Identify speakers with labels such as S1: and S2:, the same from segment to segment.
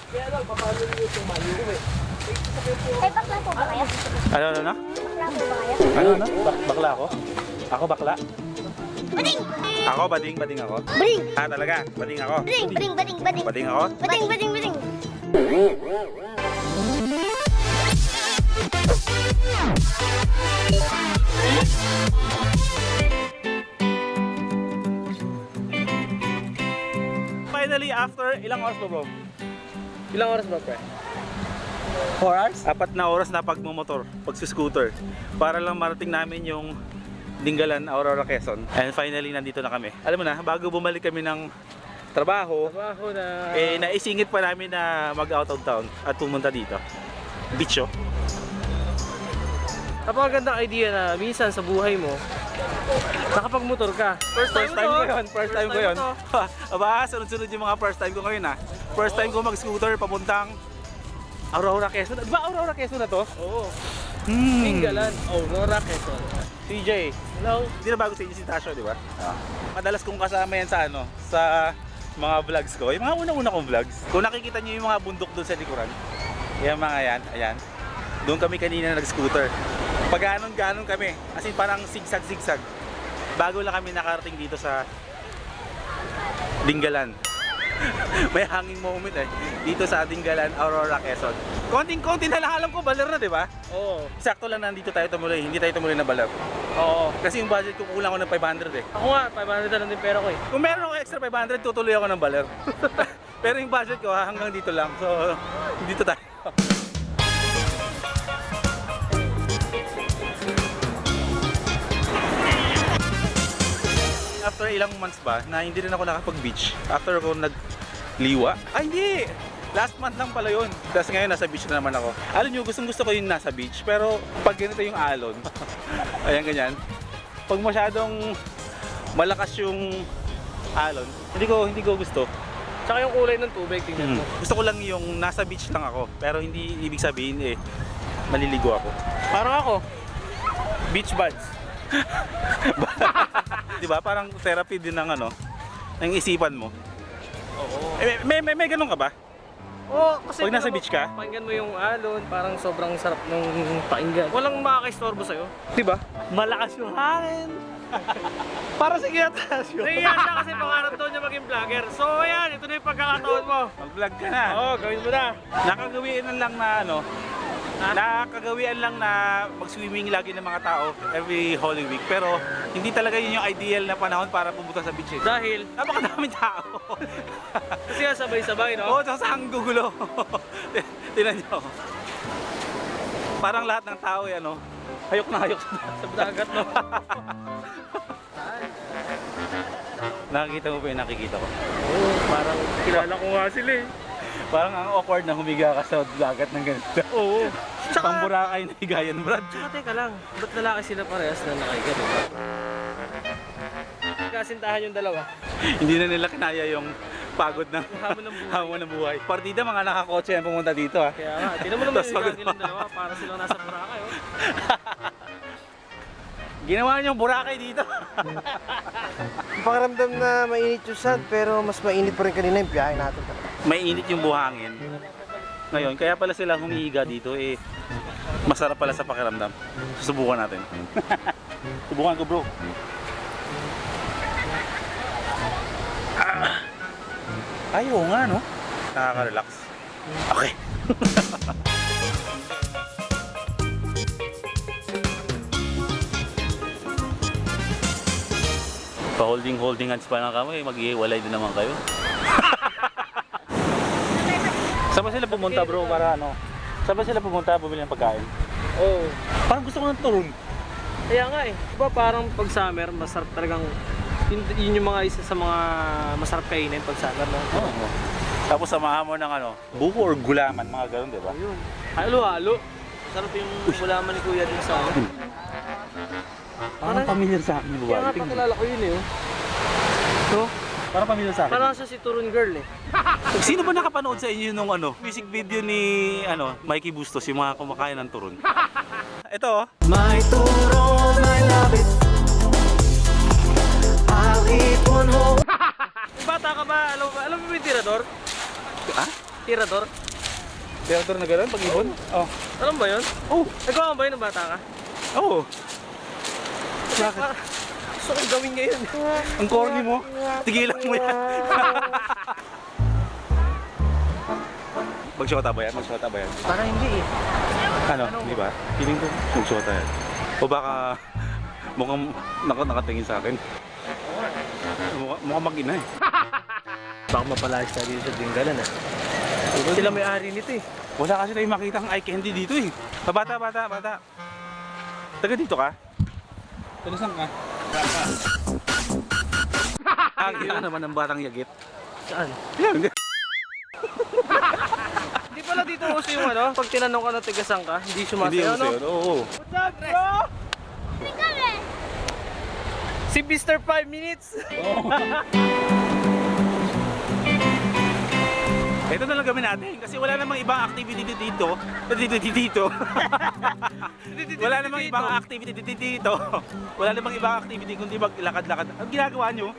S1: Kaya lang, paano nyo tumayo eh?
S2: Eh, bakla po ba kayo?
S3: Ano?
S2: Bakla po ba kayo?
S3: Bakla ako? Ako bakla?
S2: Bading!
S3: Ako, bading ako.
S2: Bading!
S3: Ah, talaga? Bading ako?
S2: Bading! Bading! Bading! Bading!
S3: Bading ako?
S2: Bading! Bading! Bading!
S3: Finally, after ilang oras ba bro?
S1: Ilang oras ba, pre?
S3: 4 hours? 4 na oras na pagmumotor, pagsuscooter. Para lang marating namin yung Dingalan, Aurora, Quezon. And finally, nandito na kami. Alam mo na, bago bumalik kami ng trabaho,
S1: Na...
S3: naisingit pa namin na mag-out of town at pumunta dito. Beach, oh.
S1: Napakagandang idea na minsan sa buhay mo, nakapagmotor ka.
S3: First time ko yun. First time ko yun.
S1: to.
S3: Aba, sunod-sunod yung mga first time ko ngayon, ha. First time ko mag-scooter papuntang Aurora, Quezon. Di ba Aurora, Quezon na to?
S1: Oo. Dingalan, Aurora, Quezon.
S3: CJ,
S1: Hello?
S3: hindi na bago sa inyo si Tasho, di ba? Madalas kong kasama yan sa sa mga vlogs ko. Yung mga una-una kong vlogs. Kung nakikita niyo yung mga bundok doon sa likuran, yung mga yan, ayan. Doon kami kanina nag-scooter. Pag ganon kami, as in parang zigzag-zigzag. Bago lang kami nakarating dito sa Dingalan. May hanging moment dito sa Dingalan, Aurora, Quezon. Konting-konti na lang, alam ko baler na, di ba?
S1: Oo.
S3: Sakto lang nandito tayo tumuloy, hindi tayo tumuloy na baler.
S1: Oo.
S3: Kasi yung budget ko kulang ko ng 500 eh.
S1: Ako nga, 500 na lang din pera ko eh.
S3: Kung meron ako extra 500, tutuloy ako ng baler. Pero yung budget ko hanggang dito lang. So, dito tayo. After ilang months ba na hindi rin ako nakapag-beach. After ako nagliwa. Ay hindi! Last month lang pala yun. Tapos ngayon nasa beach na naman ako. Alam nyo, gustong gusto ko yung nasa beach. Pero pag ganito yung alon, ayan ganyan. Pag masyadong malakas yung alon, hindi ko gusto.
S1: Tsaka yung kulay ng tubig, tingnan mo.
S3: Gusto ko lang yung nasa beach lang ako. Pero hindi ibig sabihin maliligo ako.
S1: Parang ako, beach buds.
S3: Diba? Parang therapy din ng ng isipan mo.
S1: Oo.
S3: May ganun ka ba?
S1: Oo, kasi
S3: Pag nasa
S1: tingnan mo,
S3: beach ka?
S1: pakinggan mo yung alon, parang sobrang sarap ng pakinggan. Walang makakaistorbo sa'yo.
S3: Diba?
S1: Malakas yung hangin.
S3: Para sa kinatasyo.
S1: Nahiya siya kasi pangarap daw niya maging vlogger. So ayan, ito na yung pagkakataon mo.
S3: Mag-vlog ka na.
S1: Oo, gawin mo na.
S3: Nakagawian lang na mag-swimming lagi ng mga tao every Holy Week. Pero hindi talaga yun yung ideal na panahon para pumunta sa beach.
S1: Dahil,
S3: Napakadaming tao.
S1: kasi nga sabay-sabay, no?
S3: Oo, tsaka sa gugulo. Tingnan nyo. Parang lahat ng tao hayok na hayok
S1: Sa dagat, no?
S3: Nakikita mo pa yung nakikita ko.
S1: Oo, parang kilala ko nga sila eh.
S3: Parang ang awkward na humiga ka sa dagat ng ganito.
S1: Oo.
S3: Pang Boracay na higayan, Brad.
S1: Tsaka teka lang, ba't lalaki sila parehas na nakahiga, diba? Kasintahan yung dalawa.
S3: Hindi na nila kinaya yung pagod ng
S1: Hamon ng buhay.
S3: hamon ng buhay. Partida, mga nakakotse yan pumunta dito, ha.
S1: Kaya nga, tinan mo naman
S3: Tapos
S1: yung
S3: pagod
S1: higa nilang dalawa para silang nasa Boracay, oh.
S3: Ginawa niyo yung Boracay dito.
S4: Pakiramdam na mainit yung sand, pero mas mainit pa rin kanina yung biyahe natin.
S3: May init yung buhangin. Ngayon, kaya pala sila humihiga dito, masarap pala sa pakiramdam. Susubukan natin. Subukan ko, bro. Ayaw nga, no? Nakaka-relax. Okay. Pa-holding hands pa lang kami, mag-iwalay din naman kayo. Saan ba sila pumunta, bro, para Saan ba sila pumunta bumili ng pagkain?
S1: Oo.
S3: Parang gusto ko ng turon.
S1: Kaya nga eh. Diba parang pag summer, masarap talagang yun yung mga isa sa mga masarap kainin pag summer, no?
S3: Oo. Tapos samahan mo ng buko or gulaman, mga ganun, di ba?
S1: Ayun. Halo-halo. Masarap yung gulaman ni Kuya din sa akin.
S3: Parang familiar sa akin yung
S1: Kaya nga
S3: buhay.
S1: pakilala ko yun eh, oh. No?
S3: Parang familiar sa akin.
S1: Parang siya si Turun Girl eh.
S3: Sino ba nakapanood sa inyo nung music video ni Mikey Bustos, yung mga kumakain ng turon? Ito, oh.
S5: My turon, I love it. I'll eat one whole.
S1: Kung bata ka ba, alam mo ba yung tirador?
S3: Ah?
S1: Tirador?
S3: Tirador na gano'n, pag-ibon? Oh.
S1: Alam ba yun?
S3: Oh.
S1: Nagawa mo ba yun ng bata ka?
S3: Oo. Bakit?
S1: Gusto kong gawin ngayon.
S3: Ang corny mo. Tigilan mo yan. Magsyota ba yan? Magsyota ba yan?
S1: Para hindi eh.
S3: Ano? Di ba? Feeling ko magsyota yan. O baka mukhang nakatingin sa akin. Mukhang mag-ina eh.
S1: Baka mapalayas tayo dito sa Dinggalan ah. Sila may-ari nito eh.
S3: Wala kasi tayong makita ang eye candy dito eh. Bata. Taga dito ka? Taga saan ka? Ang ina naman ng batang yagit.
S1: Saan?
S3: Yan.
S1: Hindi pala dito uso yung ano, pag tinanong ka na tigasang ka, hindi
S3: Hindi
S1: sumasayaw,
S3: yung
S1: no?
S3: sa'yo. Oo.
S1: What's up, bro? Si Mr. 5 Minutes.
S3: Ito na lang gawin natin kasi wala namang ibang activity dito. Wala namang ibang activity dito. Wala namang ibang activity kundi maglakad-lakad. Ang ginagawa nyo?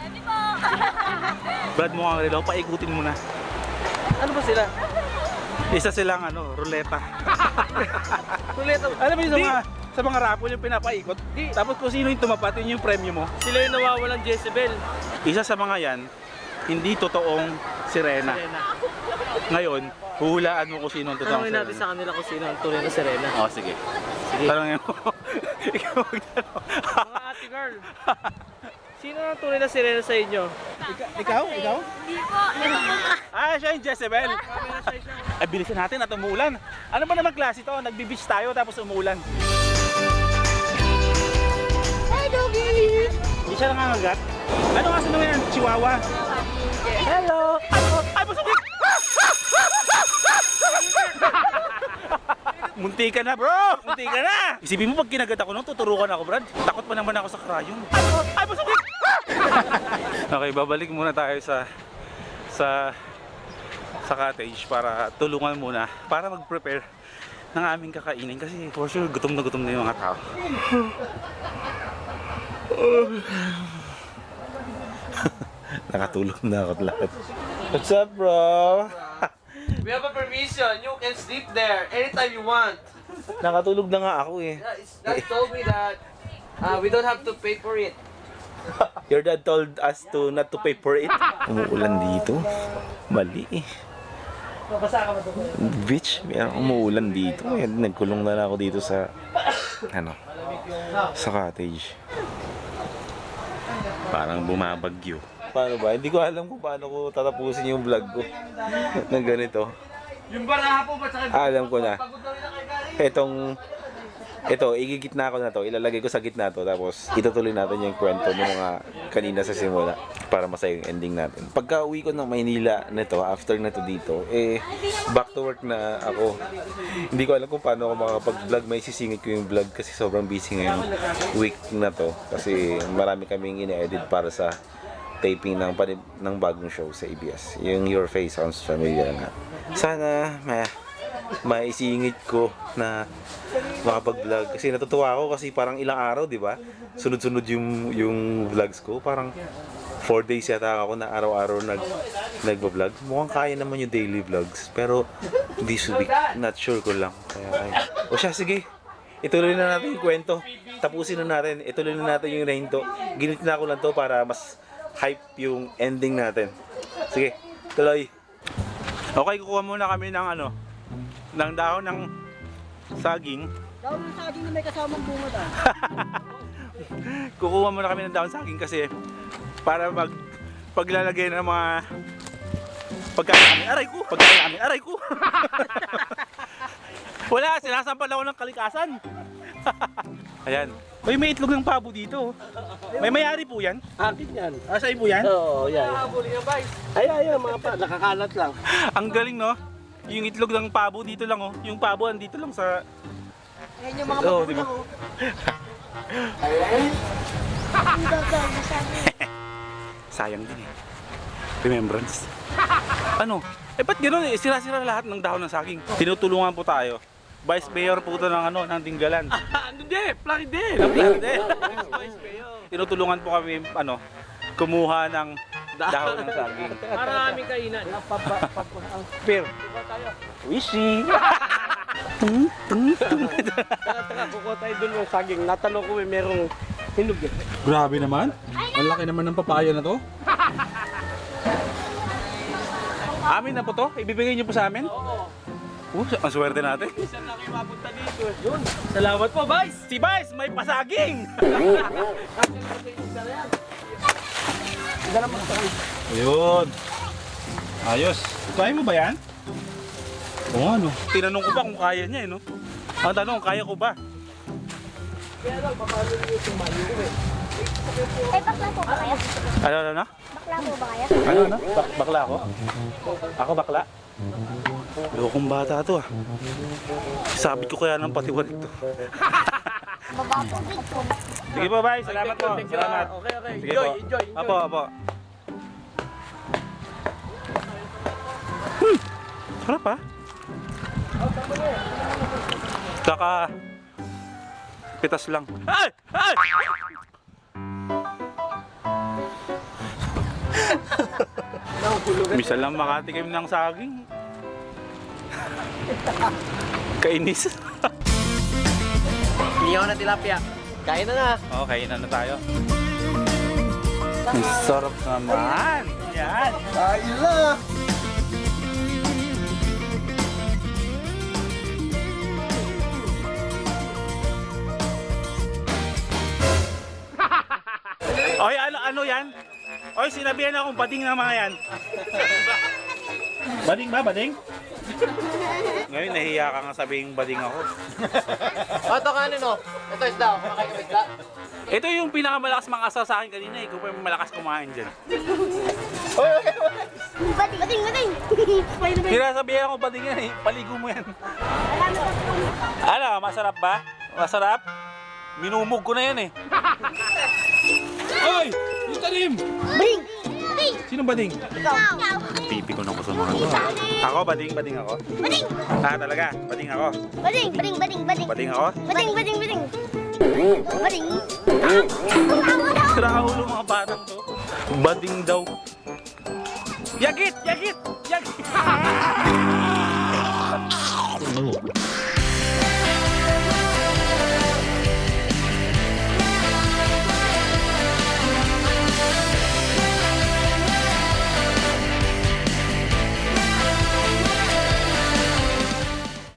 S3: Brad mo ang relo, paikutin mo na.
S1: Ano ba sila?
S3: Isa silang ruleta.
S1: Ruleta.
S3: Alam mo yung sa mga raffle yung pinapaikot. Tapos kung sino yung tumapat, yun yung premyo mo.
S1: Sila yung nawawalang Jezebel.
S3: Isa sa mga yan, hindi totoong sirena.
S1: Serena.
S3: Ngayon, huhulaan mo kung sino ang totoong
S1: Tanungin natin
S3: sirena.
S1: sa kanila kung sino ang tunay na Serena.
S3: Oh, sige.
S1: Sige.
S3: Tanongin mo. Ikaw magtanong.
S1: Mga ate girl, sino ang tunay na Serena sa inyo?
S3: Ikaw?
S2: Hindi po. Ito po.
S3: Ah, siya yung Jezebel. Ay, bilisan natin at umuulan. Ano ba naman klase to? Nagbi-beach tayo tapos umuulan.
S2: Hi, doggy.
S3: Hindi siya nangangagat. Ano kasi naman yan? Chihuahua. Hello! Ay, masakit! Munti ka na, bro! Munti ka na! Isipin mo pag kinagat ako nung tuturukan ako, Brad. Takot pa naman ako sa krayon. Ay, masakit! Okay, babalik muna tayo sa cottage para tulungan muna para mag-prepare ng aming kakainin kasi for sure gutom na yung mga tao. Nakatulog na ako lahat. What's up, bro?
S1: We have a permission. You can sleep there anytime you want.
S3: Nakatulog na nga ako eh.
S1: Dad told me that we don't have to pay for it.
S3: Your dad told us to not to pay for it. Umuulan dito. Mali eh. Beach, umuulan dito. Nagkulong na ako dito sa sa cottage. Parang bumabagyo. Paano ba? Hindi ko alam kung paano ko tatapusin yung vlog ko ng ganito.
S1: Yung baraha po ba sa
S3: Alam ko na. Ito, igigitna ko na to, ilalagay ko sa gitna to, tapos itutuloy natin yung kwento ng mga kanina sa simula para masaya yung ending natin. Pagka uwi ko ng Maynila nito, after na to dito, back to work na ako. Hindi ko alam kung paano ako makakapag-vlog, may sisingit ko yung vlog kasi sobrang busy ngayong week na to. Kasi marami kaming ine-edit para sa taping ng bagong show sa ABS. Yung Your Face Sounds Familiar nga. Sana maisingit ko na makapag-vlog kasi natutuwa ako kasi parang ilang araw, di ba? Sunod-sunod yung vlogs ko. Parang 4 days yata ako na araw-araw nagba-vlog. Mukhang kaya naman yung daily vlogs. Pero this week, not sure ko lang. O siya, sige. Ituloy na natin yung kwento. Tapusin na natin. Ituloy na natin yung rainto. Ginit na ako lang to para mas hype yung ending natin. Sige, tuloy. Okay, kukuha muna kami ng ng dahon ng saging.
S4: Dahon ng saging na may kasamang bunga ta.
S3: Kukuha muna kami ng dahon saging kasi para paglalagay ng mga pagkain namin. Aray ko! Wala, sinasampal ako ng kalikasan. Ayan. Uy, may itlog ng pabo dito. May mayari po yan?
S4: Akin yan.
S3: Sa'yo po yan?
S4: Oo, yan. Ay, mga pa, nakakalat lang.
S3: Ang galing, no? Yung itlog ng pabo dito lang, oh. Yung pabo andito lang sa...
S4: Yan yung mga
S3: Oo, diba? Sayang din eh. Remembrance. Ba't gano'n eh? Sira-sira lahat ng dahon ng saging. Tinutulungan po tayo. Vice Mayor po ito ng Dinggalan.
S1: Hindi, plug din.
S3: Tinutulungan po kami, kumuha ng Dahon ng saging.
S1: Para aming kainan.
S4: Pero,
S3: Wishy!
S4: taka, kukuha tayo dun ng saging. Natanong ko merong hinog eh.
S3: Grabe naman. Ang laki naman ng papaya na to. Amin na po to? Ibibigay niyo po sa amin?
S1: Oo.
S3: Ang swerte natin.
S1: Saan na kayo mapunta dito? Yun. Salamat po, Vice.
S3: Si Vice, may pasaging! Ayun. Ayos. Kaya mo ba yan? Oo ano. Tinanong ko pa kung kaya niya no? Ang tanong, kaya ko ba?
S2: Bakla po ba kayo?
S3: Ano?
S2: Bakla po ba kayo?
S3: Ano? Bakla ako? Ako bakla? Lokong bata to ah. Sabi ko kaya ng patiwarik to.
S2: Baba po.
S3: Sige po, bye. Salamat po. Salamat.
S1: Okay.
S3: Sige
S1: Enjoy,
S3: po.
S1: enjoy.
S3: Apo. Sarap ah. Kaka pitas lang. Ay! Misa lang makatikim ng saging. Kainis.
S4: Hindi ako na tilapia. Kain na na.
S3: Okay, na tayo. Ang sarap naman. Yan.
S4: Kain na.
S3: Oy, ano yan? Oy, sinabihan akong bading na mga yan. Bading ba? Bading? Ngayon, nahiya ka nga sabihin bading ako.
S4: O, ito kanin o. Ito isda o. Kumakain ka ba isda?
S3: Ito yung pinakamalakas mga asaw sa akin kanina. Ikaw pa yung malakas kumain dyan.
S2: Bating.
S3: Sinasabihan ako bading yan eh. Paligo mo yan. Ano, masarap ba? Masarap? Minumog ko na yan eh. Oy! Yung tanim!
S2: Bating.
S3: Sino bading?
S2: Ikaw.
S3: Pipi ko na ko sa mga to. Ako, bading ako.
S2: Bating.
S3: Ah, talaga, bading ako.
S2: Bating.
S3: Bading ako?
S2: Bating.
S3: Sira ulo mga batang to. Bading daw. Yagit!